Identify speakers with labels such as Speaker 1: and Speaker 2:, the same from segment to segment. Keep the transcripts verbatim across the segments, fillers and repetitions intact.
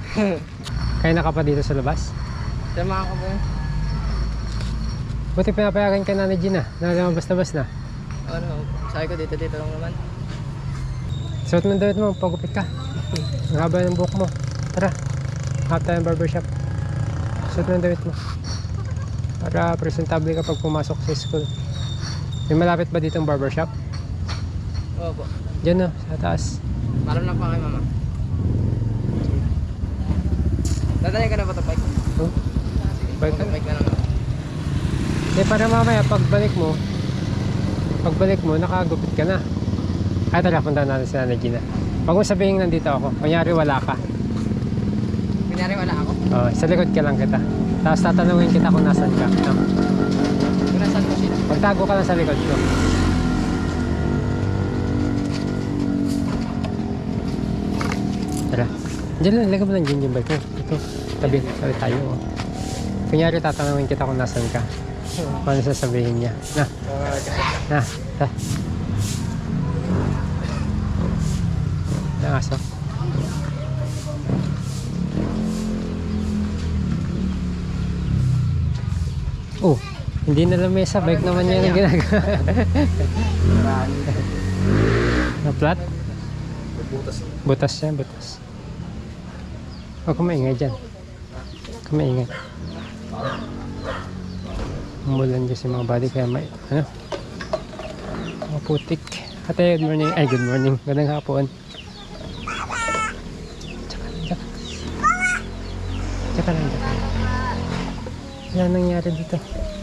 Speaker 1: Kaya naka pa dito sa labas?
Speaker 2: Tama ka ba yun?
Speaker 1: Buti pinapayagan ka na ni Gina na lumabas-labas na.
Speaker 2: Ano, sabi ko dito dito lang naman.
Speaker 1: Suot mo damit mo, pagupit ka. Ang haba ng buhok mo. Tara, hanap tayo ng barbershop. Suot mo ng damit mo. Para presentable ka pag pumasok sa school. May malapit ba dito ang barbershop?
Speaker 2: Oo po.
Speaker 1: Diyan no, sa taas.
Speaker 2: Maram lang pa kay mama. Dadalhin ka na ba ito, bike?
Speaker 1: Oh, balik ka.
Speaker 2: Bike ka na.
Speaker 1: Eh, para mamaya pagbalik mo, pagbalik mo, nakagupit ka na. Ay, tara, punta natin si Nanay Gina. Huwag mo sabihin nandito ako. Kunyari wala ka.
Speaker 2: Kunyari wala ako?
Speaker 1: Oh, sa likod ka lang kita. Tapos tatanungin kita kung nasan ka. No?
Speaker 2: Kung nasan mo sila?
Speaker 1: Magtago ka lang sa likod ko. Tara. Diyan lang, lagay mo lang dyan yung bike mo. Ito, tabi, tabi tayo. Oh. Kunyari tatanungin kita kung nasan ka. Kung ano sasabihin niya. Na, na, ta. Na, aso. Oh, hindi na lamesa. Bike naman yan ang ginagawa. Na flat?
Speaker 2: Butas.
Speaker 1: Butas yan, butas. Huwag kang maingay dyan. Huwag kang maingay. Umulan dyan si mga body kaya may, ano, mga putik. Ate, good morning. Ay, good morning. Gandang hapon. Tsaka, tsaka. Tsaka lang, tsaka. Wala nangyari dito.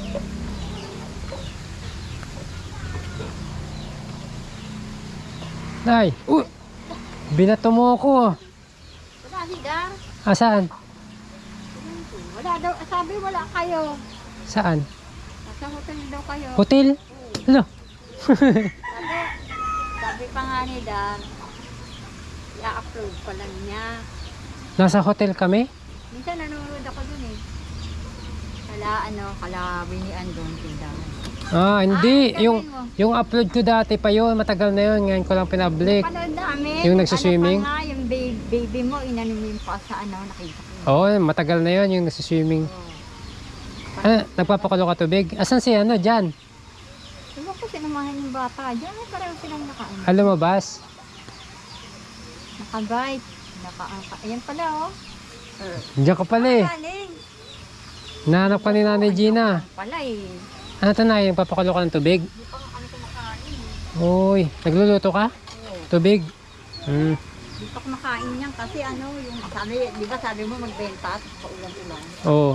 Speaker 1: Nay! Uh! Binato mo ako.
Speaker 3: Wala, Lidar.
Speaker 1: Ah, saan?
Speaker 3: Wala daw. Sabi wala kayo.
Speaker 1: Saan?
Speaker 3: Nasa hotel daw kayo.
Speaker 1: Hotel? Ano?
Speaker 3: Sabi, sabi pa nga ni Dan, i-upload pa lang niya.
Speaker 1: Nasa hotel kami?
Speaker 3: Minsan nanonood ako dun eh. Kala ano, kala binian doon tindahan.
Speaker 1: Ah, hindi.
Speaker 3: Ah,
Speaker 1: yung
Speaker 3: sabihin mo.
Speaker 1: yung upload ko dati pa yun. Matagal na yun. Ngayon ko lang pinablik.
Speaker 3: Panood namin.
Speaker 1: Yung nagsiswimming?
Speaker 3: Ano pa nga, yung baby, baby mo, inanim mo yung pa sa ano, nakita ko.
Speaker 1: Oo, matagal na yun. Yung nagsiswimming.
Speaker 3: Oh.
Speaker 1: Ah, nagpapakulo ka tubig? Asan si ano? Diyan.
Speaker 3: Diba ko sinamahan yung bata? Diyan ay pareho silang nakaano.
Speaker 1: Ah, lumabas?
Speaker 3: Naka-bike. Naka, ayan pala oh. Er,
Speaker 1: Diyan ka pala eh.
Speaker 3: galing.
Speaker 1: Nahanap ka ni Nanay Gina.
Speaker 3: Pala eh.
Speaker 1: Ano ito na? Yung papakulo ka ng tubig?
Speaker 3: Hindi pa nga kami kumakain.
Speaker 1: Uy, nagluluto ka?
Speaker 3: Oo.
Speaker 1: Tubig? Hmm.
Speaker 3: Hindi pa kumakain niyan kasi ano, yung sabi, di ba sabi mo magbenta at paulan-ulan.
Speaker 1: Oo.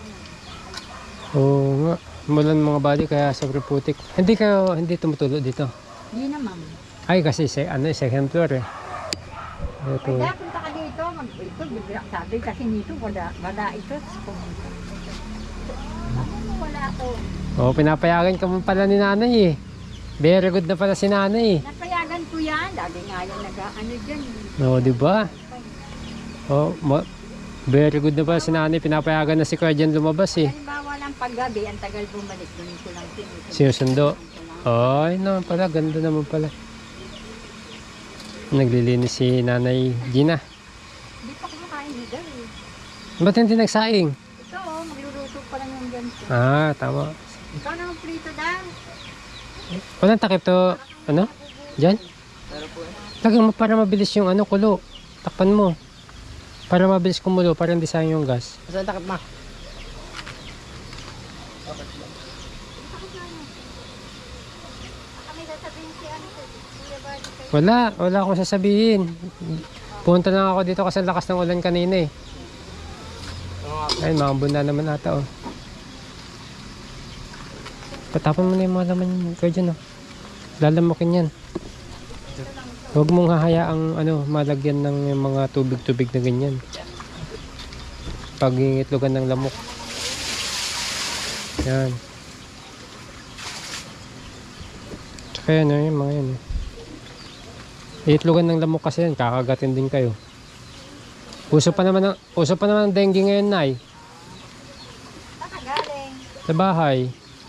Speaker 1: Oo nga. Mulan mga body kaya sobrang putik. Hindi kayo, hindi tumutulo dito.
Speaker 3: Hindi naman.
Speaker 1: Ay, kasi se, ano, second floor eh. Ito.
Speaker 3: Kaya punta ka dito, mag ito, bibira sabi kasi nito wala, wala ito. Pumunta. Ano wala to?
Speaker 1: Oo, pinapayagan ka mo pala ni Nanay eh. Very good na pala si Nanay eh.
Speaker 3: Napayagan ko yan, dati nga yung nag-ano dyan.
Speaker 1: Oo, di ba? Oo, ma- very good na pala si Nanay. Pinapayagan na si Kuya dyan lumabas eh.
Speaker 3: Halimbawa lang paggabi, ang tagal bumalik, doon ko lang sinusunod.
Speaker 1: Sinusundo. Ay, naman pala. Ganda naman pala. Naglilinis si Nanay Gina.
Speaker 3: Hindi pa kumakain dito eh.
Speaker 1: Ba't hindi nagsaing?
Speaker 3: Ito oh, magluluto pa lang yung ganito.
Speaker 1: Ah, tama.
Speaker 3: Ikaw na ang prito Dan.
Speaker 1: Walang takip to. Ano? Diyan?
Speaker 2: Pero po eh.
Speaker 1: Lagyan mo para mabilis yung ano, kulo. Takpan mo. Para mabilis kumulo. Para hindi sayang yung gas.
Speaker 2: Saan takip ma?
Speaker 3: Kami sasabihin si ano ko, Kuya Bali kayo.
Speaker 1: Wala. Wala akong sasabihin. Punta lang ako dito kasi ang lakas ng ulan kanina eh. Ay, mga bunda naman ata oh. Patapon mo na yung mga laman yun. Kaya dyan oh. Lalamukin yan. Huwag mong hahayaang ano, malagyan ng mga tubig-tubig na ganyan. Pag ingitlogan ng lamok. Yan. Tsaka yan oh, yung mga yan eh. Iitlogan ng lamok kasi yan, kakagatin din kayo. Uso pa naman ng, uso pa naman ng dengue ngayon, Nay.
Speaker 3: Saan ka galing?
Speaker 1: Sa bahay.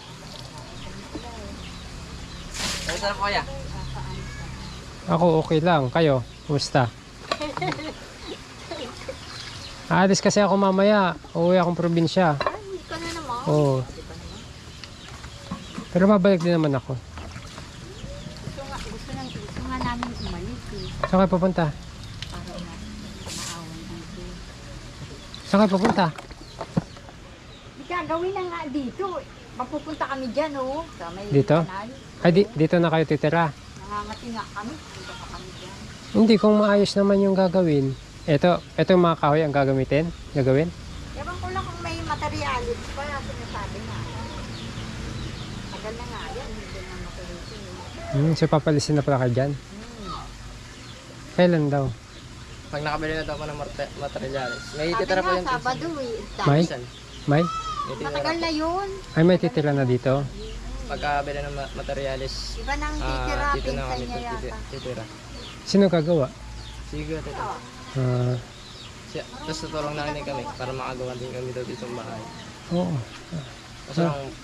Speaker 2: Ay, saan po kaya?
Speaker 1: Ako okay lang. Kayo, kumusta? Aalis kasi ako mamaya. Uuwi akong probinsya.
Speaker 3: Ay, hindi ka na naman.
Speaker 1: Oo.
Speaker 3: Di ba naman?
Speaker 1: Pero babalik din naman ako.
Speaker 3: Gusto nga, gusto, nga, gusto nga namin umalis eh.
Speaker 1: Saan kayo pupunta?
Speaker 3: Para na maawan dito.
Speaker 1: Saan kayo pupunta?
Speaker 3: Di gagawin na nga dito. Mapupunta kami dyan oh. Sa may
Speaker 1: Dito?
Speaker 3: kanal.
Speaker 1: Ay, di, dito na kayo titira.
Speaker 3: Nangangati nga kami. Punta pa kami dyan.
Speaker 1: Hindi, kung maayos naman yung gagawin. Ito, ito yung mga kahoy ang gagamitin? Gagawin?
Speaker 3: Ewan ko lang kung may materialis pa. Sinasabi nga. Tagal na nga yan. Hindi na matuloy.
Speaker 1: Hmm, so papalisin na pala kayo dyan?
Speaker 3: Hmm.
Speaker 1: Kailan daw?
Speaker 2: Pag nakabili na daw ako ng mate- materials. May
Speaker 3: Sabi
Speaker 2: titira pa
Speaker 3: nga,
Speaker 2: yung pinsan.
Speaker 3: Sabado eh.
Speaker 1: May?
Speaker 2: Pinsan.
Speaker 1: May?
Speaker 2: May titira
Speaker 3: Matagal
Speaker 2: pa.
Speaker 3: na yun.
Speaker 1: Ay, may titira na dito?
Speaker 2: Pagkabili ng ma- materials,
Speaker 3: Iba nang
Speaker 2: ah,
Speaker 3: titira.
Speaker 2: dito na
Speaker 3: Pinsan
Speaker 2: kami
Speaker 3: niya
Speaker 2: titi-
Speaker 3: yata.
Speaker 2: titira.
Speaker 1: Sino gagawa?
Speaker 2: Sige, tito.
Speaker 1: Ah,
Speaker 2: Siya, tapos tutulong na rin kami para makagawa din kami daw dito sa bahay.
Speaker 1: oo.
Speaker 2: Kasi
Speaker 1: Ah.
Speaker 2: ang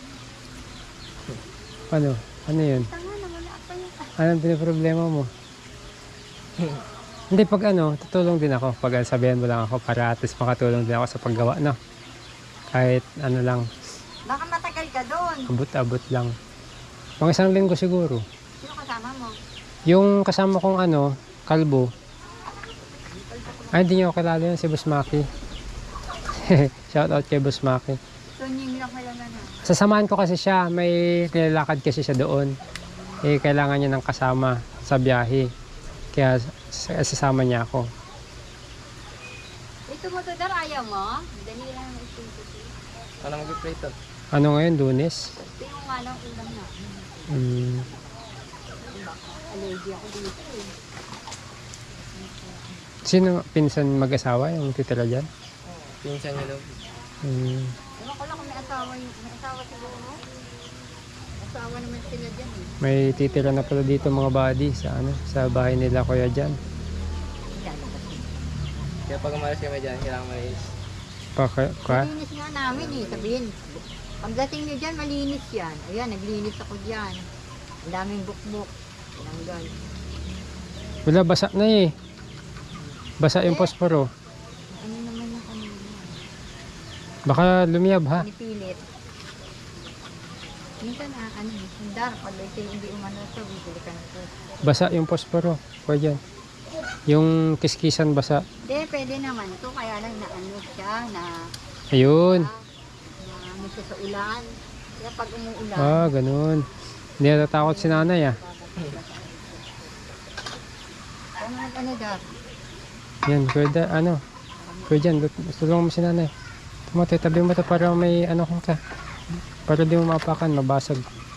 Speaker 1: Ano? Ano yun?
Speaker 3: Tanga na wala pa yun.
Speaker 1: Anong pinaproblema mo? Hindi, pag ano, tutulong din ako. Pag sabihan mo lang ako para at least makatulong din ako sa paggawa, no? Kahit ano lang,
Speaker 3: Baka matagal ka doon.
Speaker 1: abot-abot lang. Mga isang linggo siguro.
Speaker 3: Sino kasama mo?
Speaker 1: Yung kasama kong ano, kalbo. Ay, hindi niyo ako kilala yun, si Boss Maki. Shout out kay Boss Maki.
Speaker 3: Tunying lang kaya na.
Speaker 1: Sasamahan ko kasi siya, may nilalakad kasi siya doon. Eh, kailangan niya ng kasama sa biyahe. Kaya s- sasama niya ako.
Speaker 3: Ito mo to dar, ayaw mo? Dali lang ito.
Speaker 2: ano mag-prito.
Speaker 1: Ano ngayon, Lunes?
Speaker 3: Ito yung nga lang ulam na.
Speaker 1: Mm,
Speaker 3: Allergy ako dito eh.
Speaker 1: sino pinsan mag-asawa yung titira dyan?
Speaker 2: Pinsan niya daw.
Speaker 1: Mm,
Speaker 3: Ewan ko lang kung may asawa yung may asawa siguro. Asawa naman sila dyan eh.
Speaker 1: may titira na pala dito mga buddy sa ano, sa bahay nila kuya dyan.
Speaker 3: Lalabas eh.
Speaker 2: Kaya pag umalis kami dyan, kailangan malinis.
Speaker 1: Paka, ka?
Speaker 3: Malinis nga namin eh, sabihin. Pagdating nyo dyan, malinis yan. Ayan, naglinis ako dyan. Ang daming bukbuk. Tinanggal.
Speaker 1: Wala, basa na eh. Basa yung posporo.
Speaker 3: Ano naman yung ano yun?
Speaker 1: Baka lumiyab ha.
Speaker 3: Pinipilit. Minsan ah, ano eh, sundar. Pag ito hindi umano ito, bibili ka na ito.
Speaker 1: Basa yung posporo. Kuya dyan. Yung kiskisan basa.
Speaker 3: Hindi, pwede naman ito. Kaya lang na ano siya, na,
Speaker 1: Ayun.
Speaker 3: na ano siya sa ulan. Kaya pag umuulan,
Speaker 1: Ah, ganun. Hindi natatakot si nanay ah.
Speaker 3: ano nag ano dar?
Speaker 1: Yan, kuya da, ano. Kuya dyan, lut- tulungan mo si nanay. Tumote, tabi mo ito para may ano kung ka. Para di mo mapakan, mabasag.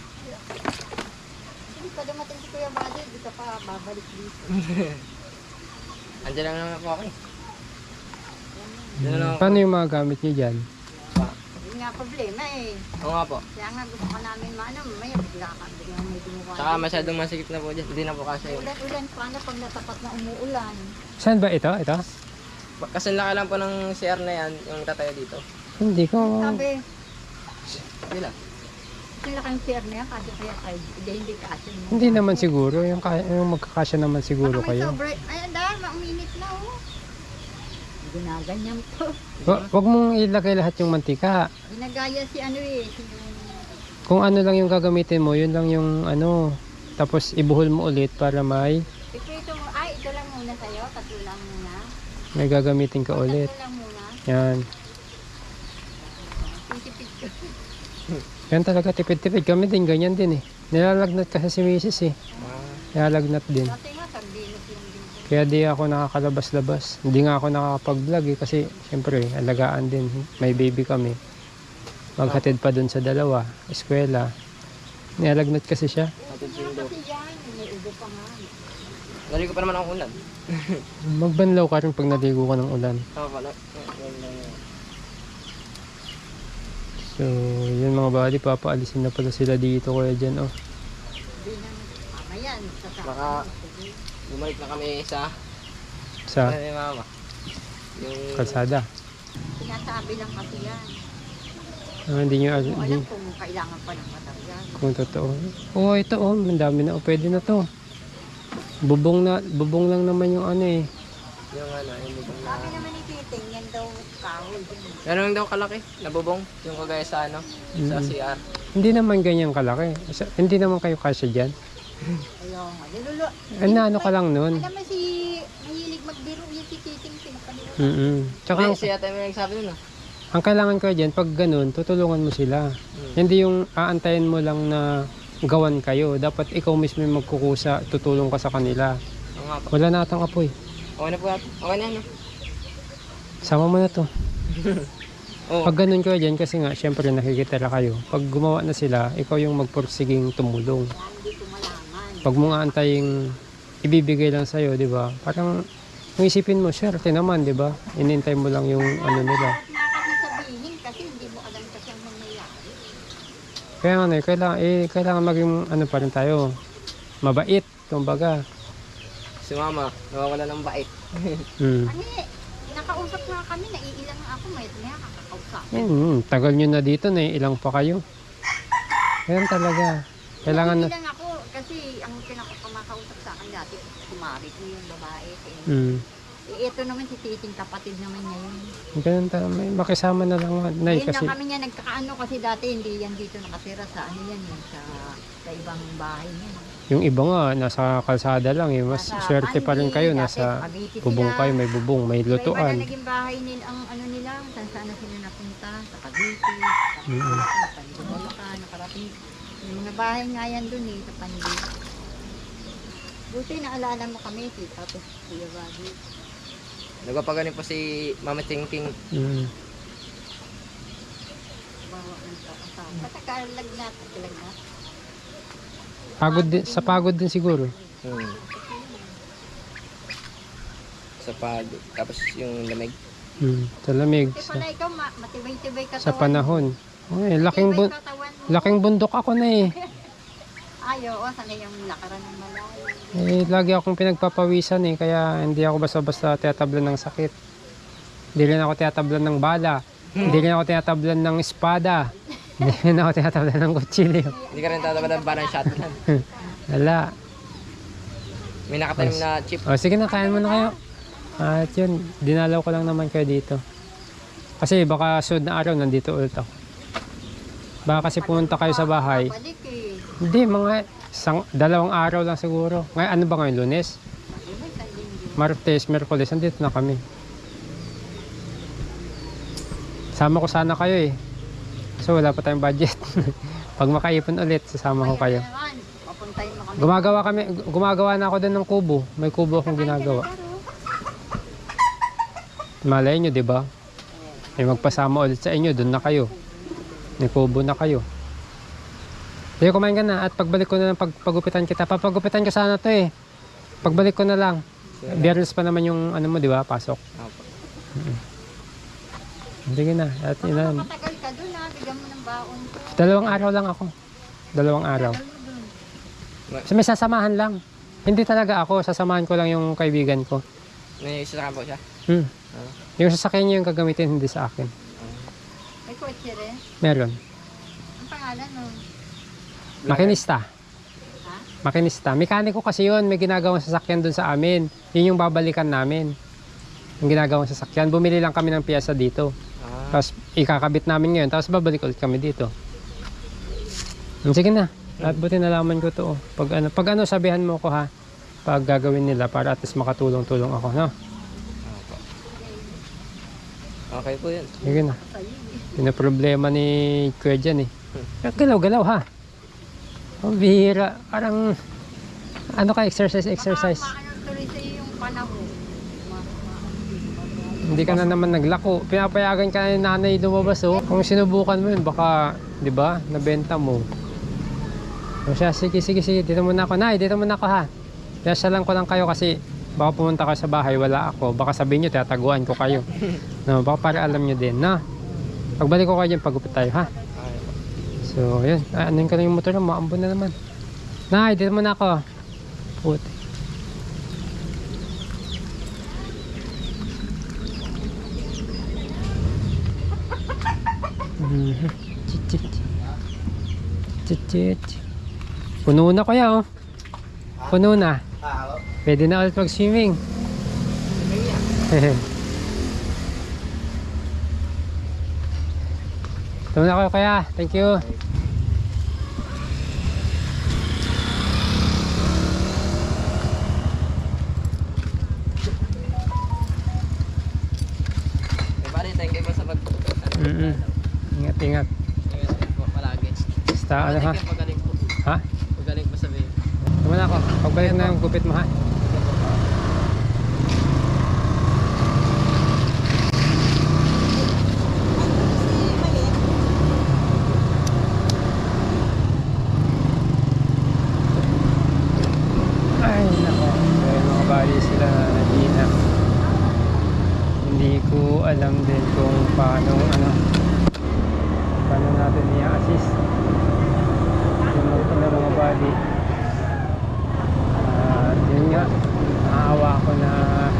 Speaker 3: Hindi pa dumating si Kuya Buddy, di ka pa babalik dito.
Speaker 2: Andiyan lang naman po ako eh. Diyan na lang ako.
Speaker 1: Paano yung mga gamit niyo dyan?
Speaker 3: Yun nga problema eh.
Speaker 2: Oo nga po.
Speaker 3: Kaya nga gusto ka namin maano, may bigla ka, bigla may gumawa.
Speaker 2: Tsaka masyadong masikip na po dyan. Hindi na po kasi yun.
Speaker 3: Ulan-ulan, paano pag natapat na umuulan?
Speaker 1: Saan ba ito? Ito?
Speaker 2: Kasi laki lang po ng C R na yan, yung tatayo dito.
Speaker 1: Hindi ko.
Speaker 3: Sabi,
Speaker 2: Hindi lang.
Speaker 3: yung laking share na yan, kasi kaya kayo, hindi, hindi kasi mo.
Speaker 1: Hindi naman siguro. Yung, kaya- yung magkakasya naman siguro
Speaker 3: Baka may
Speaker 1: kayo.
Speaker 3: sobre, ay, dahil, mauminit na oh. Ginaganyan to.
Speaker 1: Wa- Wag mong ilagay lahat yung mantika.
Speaker 3: Ginagaya si ano eh, si yung,
Speaker 1: Kung ano lang yung gagamitin mo, yun lang yung ano. Tapos ibuhol mo ulit para may
Speaker 3: iprito mo, ay, ito lang muna sa'yo, tatlo lang muna.
Speaker 1: may gagamitin ka ulit.
Speaker 3: Tatlo lang muna.
Speaker 1: Yan.
Speaker 3: Pitipit ko.
Speaker 1: Yan talaga, tipid-tipid. Kami din, ganyan din eh. Nilalagnat kasi si misis eh.
Speaker 2: Ah,
Speaker 1: Nilalagnat din.
Speaker 3: Kasi nga, sardinas lang din.
Speaker 1: Kaya di ako nakakalabas-labas. Hindi nga ako nakakapag-vlog eh. Kasi syempre, alagaan din. May baby kami. Maghatid pa dun sa dalawa. Eskwela. Nilalagnat kasi siya.
Speaker 2: hatid
Speaker 3: Nga
Speaker 2: sundo.
Speaker 3: kasi yan, may ubo pa nga.
Speaker 2: Dali ko pa naman ang ulan.
Speaker 1: Magbanlaw ka rin pag naligo ka ng ulan.
Speaker 2: Oo pala.
Speaker 1: So, yun mga buddy, papaalisin na pala sila dito kuya dyan. Oh.
Speaker 3: Hindi na, mamaya, sasama.
Speaker 2: Baka bumalik na kami sa
Speaker 1: Sa
Speaker 2: ano ni mama. Yung
Speaker 1: kalsada.
Speaker 3: Sinasabi lang kasi yan.
Speaker 1: Ah, hindi nyo,
Speaker 3: Kung
Speaker 1: hindi,
Speaker 3: alam kung kailangan pa ng material.
Speaker 1: kung totoo. Oo, oh, ito oh, ang dami na. Oh, pwede na to. Bubong na, bubong lang naman yung ano eh.
Speaker 2: Yung ano, yung bubong na...
Speaker 3: Sabi naman ni Titing, yan daw kahoy.
Speaker 2: Ganun daw kalaki, nabubong. Yung kagaya sa ano, sa
Speaker 1: Mm.
Speaker 2: C R.
Speaker 1: Hindi naman ganyan kalaki. Sa- Hindi naman kayo kasya dyan.
Speaker 3: Ayaw nga. Nilulo.
Speaker 1: Ano, ano ka lang nun?
Speaker 3: Alam mo si, mahilig magbiro yung si Titing, pinapaliro.
Speaker 1: Mm-mm. Tsaka
Speaker 2: Hindi,
Speaker 1: ang,
Speaker 2: siya tayo may nagsabi nun ah.
Speaker 1: ang kailangan ko dyan, pag ganun, tutulungan mo sila.
Speaker 2: Hmm.
Speaker 1: Hindi yung aantayin mo lang na gawan kayo. Dapat ikaw mismo yung magkukusa, tutulong ka sa kanila.
Speaker 2: Oo nga po.
Speaker 1: Wala na atang apoy.
Speaker 2: Okay na po natin. Okay na ano.
Speaker 1: Sama mo na to.
Speaker 2: Oo.
Speaker 1: Pag ganun kayo dyan, kasi nga, syempre nakikitira kayo. Pag gumawa na sila, ikaw yung magpursiging tumulong.
Speaker 3: Kaya hindi ko malaman.
Speaker 1: Pag mo nga antaying ibibigay lang sa'yo, di ba? Parang, kung isipin mo, swerte naman, di ba? Inintay mo lang yung ano nila.
Speaker 3: Kahit na kasi sabihin, kasi hindi mo alam kasi ang nangyayari.
Speaker 1: Kaya nga, eh, kailangan, eh, kailangan maging, ano pa rin tayo, mabait, kumbaga.
Speaker 2: Si mama, nawawala ng bait.
Speaker 1: Hmm.
Speaker 3: Ano eh, nakausap nga kami, naiilang nga ako, may may kakakausap.
Speaker 1: Hmm, tagal nyo na dito, na ilang pa kayo. Ayan talaga. Kailangan na,
Speaker 3: Naiilang ako, kasi ang pinakakamakausap sa akin dati, kumari ko yung babae. Eh,
Speaker 1: hmm.
Speaker 3: eh, ito naman si Titing, kapatid naman niya yun.
Speaker 1: Ganun ta, may makisama na lang, Nay,
Speaker 3: Ayun
Speaker 1: kasi,
Speaker 3: na kami niya nagkakaano kasi dati hindi yan dito nakatira sa ano yan, yan sa, sa ibang bahay niya.
Speaker 1: yung iba nga, nasa kalsada lang, eh, mas
Speaker 3: Nasa-
Speaker 1: swerte pa rin
Speaker 3: ay,
Speaker 1: kayo,
Speaker 3: dati,
Speaker 1: nasa
Speaker 3: Cavite
Speaker 1: bubong
Speaker 3: sila.
Speaker 1: kayo, may bubong, may
Speaker 3: Iba-iba
Speaker 1: lutuan.
Speaker 3: na naging bahay nila, ang ano nila, saan saan na sila napunta, sa Cavite,
Speaker 1: Mm.
Speaker 3: sa Pandibulocan, nakarating. Yung mga bahay nga yan dun eh, sa Pandi. Buti naalala mo kami, si Tapos Kuya Bobby.
Speaker 2: Nagpapaganin po si Mama Ting Ting.
Speaker 1: Mm.
Speaker 3: Bawa ng kakasama. Patagalagnat, patagalagnat.
Speaker 1: Pagod din, sa pagod din siguro.
Speaker 2: Hmm. Sa pag, tapos yung lamig.
Speaker 1: Mm. Sa lamig,
Speaker 3: Kasi
Speaker 1: sa,
Speaker 3: pala ikaw, ma- matibay-tibay katawan.
Speaker 1: sa panahon. Uy, laking,
Speaker 3: Matibay
Speaker 1: bun,
Speaker 3: katawan mo.
Speaker 1: laking bundok ako na eh.
Speaker 3: Ay, oo, sana yung lakaran ng malayo.
Speaker 1: Eh, lagi akong pinagpapawisan eh, kaya hindi ako basta-basta tiyatablan ng sakit. Hindi rin ako tiyatablan ng bala. Hindi rin ako tiyatablan ng espada. Hindi rin ako tiyatablan ng kutsilyo.
Speaker 2: Hindi ka rin tatabalan ba ng shotgun.
Speaker 1: Wala.
Speaker 2: May nakatanim na chip.
Speaker 1: O sige na, kain mo na kayo. At yun, dinalaw ko lang naman kayo dito. Kasi baka sunod na araw nandito ulit ako. Baka kasi pumunta kayo sa bahay.
Speaker 3: Balik eh.
Speaker 1: Hindi, mga isang, dalawang araw lang siguro. Ngayon, ano ba ngayon, Lunes?
Speaker 3: Diba, sa linggo.
Speaker 1: Martes, Merkules, andito na kami. Sama ko sana kayo eh. So wala pa tayong budget. Pag makaipon ulit, sasama ko kayo.
Speaker 3: Kaya naman, papuntahin mo kami.
Speaker 1: Gumagawa kami, gumagawa na ako din ng kubo. May kubo akong ginagawa. Malay nyo, di ba? May magpasama ulit sa inyo, doon na kayo. May kubo na kayo. Sige, kumain ka na. At pagbalik ko na lang, pagpagupitan kita. Papagupitan ko sana to eh. Pagbalik ko na lang. Biyernes pa naman yung ano mo, di ba? Pasok.
Speaker 2: Opo.
Speaker 1: Sige na. At yun na.
Speaker 3: Baka matagal ka dun ha, bigyan mo ng baon ko.
Speaker 1: Dalawang araw lang ako. Dalawang araw.
Speaker 3: Tagal mo dun.
Speaker 1: So may sasamahan lang. Hindi talaga ako. Sasamahan ko lang yung kaibigan ko.
Speaker 2: May sasakyan po siya.
Speaker 1: Hmm.
Speaker 2: Ah.
Speaker 1: Yung sasakyan niya yung gagamitin, hindi sa akin.
Speaker 3: May kotse rin.
Speaker 1: Meron.
Speaker 3: Ang pangalan no?
Speaker 1: Makinista.
Speaker 3: Ha?
Speaker 1: Makinista. Mekaniko kasi yun. May ginagawang sasakyan dun sa amin. Yun yung babalikan namin. Yung ginagawang sasakyan. Bumili lang kami ng piyesa dito.
Speaker 2: Ah.
Speaker 1: Tapos ikakabit namin ngayon. Tapos babalik ulit kami dito. Hmm, Sige na. At buti nalaman ko to. oh. Pag ano, pag ano sabihan mo ko ha. Pag gagawin nila para at least makatulong-tulong ako. No?
Speaker 2: Opo. Okay po yun.
Speaker 1: Sige na. Yun ang problema ni Kuya dyan eh. Galaw-galaw ha. Oh, bihira. Parang ano ka exercise exercise.
Speaker 3: Baka maano tuloy sa'yo yung panahon. Ma- ma-
Speaker 1: Hindi ka na naman naglako. Pinapayagan ka na ni nanay lumabas oh. Kung sinubukan mo yun baka 'di ba nabenta mo. O siya, sige sige sige dito muna ako. Nay, dito muna ako ha. Kaya lang ko lang kayo kasi baka pumunta ka sa bahay wala ako. Baka sabihin niyo tataguan ko kayo. No, baka para alam niyo din na. Pagbalik ko kayo diyan pagupit tayo ha.
Speaker 2: Okay po.
Speaker 1: So, yun. Ah, anuin ko lang yung motor na. Maambon na naman. Nay, dito muna ako. Puti. Mhm. Chit, chit. Chit, chit. Puno na kuya, oh. Puno na. Pwede na ulit mag-swimming. Ito na ako kaya. Thank you.
Speaker 2: Eh, pare, thank you po sa pag...
Speaker 1: Mm-mm. Ingat, ingat.
Speaker 2: Ingat din po palagi.
Speaker 1: Basta ano ha?
Speaker 2: Thank you, pagaling po.
Speaker 1: Ha?
Speaker 2: Pagaling po sabihin.
Speaker 1: Ito na ako. Pagbalik na yung gupit mo ha. Ay nako. Kaya mga bali sila na Gina. Hindi ko alam din kung paano ano paano natin i-assist yung mga, ng mga body. At yun nga, naawa ako na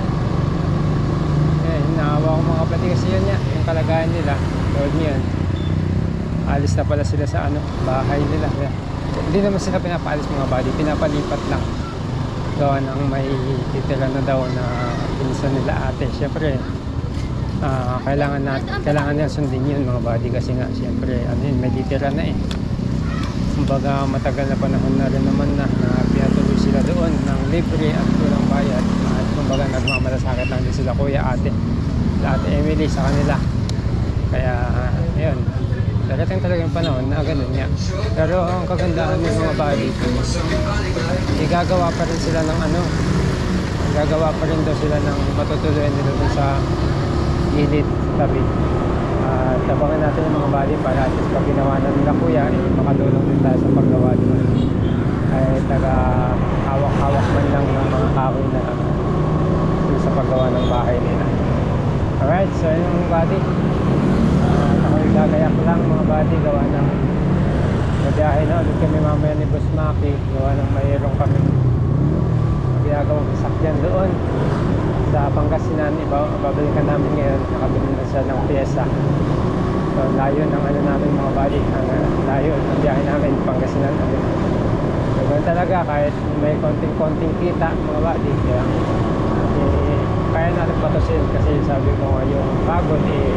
Speaker 1: eh, naawa ko mga kapatid kasi yun nga, yung kalagayan nila Lord niyan, alis na pala sila sa ano, bahay nila. Kaya, hindi naman sila pinapaalis mga body, pinapalipat lang gawa ng may titira na daw na pinsan nila ate. Syempre uh, kailangan na, kailangan nila sundin yun mga body kasi nga syempre ano yun, may titira na eh. Kumbaga matagal na panahon na rin naman na, na pinatuloy sila doon ng libre at walang bayad. At kumbaga nagmamalasakit lang din sila kuya ate, ate Emily sa kanila. Kaya ayun, darating talaga yung panahon na ganun nga. Pero ang kagandahan ng mga body, igagawa pa rin sila ng ano, gagawa pa rin daw sila ng matutuloyan nila dun sa gilid tabi. At uh, tabangan natin yung mga body para at least pag ginawa na nila kuya, eh, makatulong din tayo sa paggawa doon. Ay taga hawak-hawak man lang ng mga kahoy na uh, sa paggawa ng bahay nila. Alright, so yun yung body. Uh, ako'y gagayak lang mga body, gawa ng mabiyahe na ulit kami mamaya ni Boss Maki. Gawa ng mayroong kami magagawang sasakyan doon sa Pangasinan. Ibabalikan namin ngayon, nakabili na siya ng pyesa. So layo ng ano namin mga body, ang uh, layo ng biyahe namin Pangasinan ulit. So ganun talaga, kahit may konting-konting kita mga body, kaya eh, kaya natin patusin kasi sabi ko nga yung pagod eh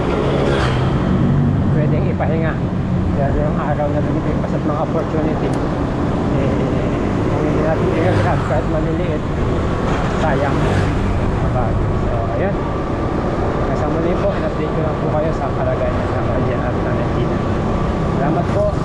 Speaker 1: pwedeng ipahinga. Dahil yung araw na lumipas at mga opportunity eh, kung hindi natin i-grab kahit maliliit, sayang. So ayun, kasama muli po, in-update ko lang po kayo sa kalagayan ng Nanay Gina at Nanay Gina. Salamat po.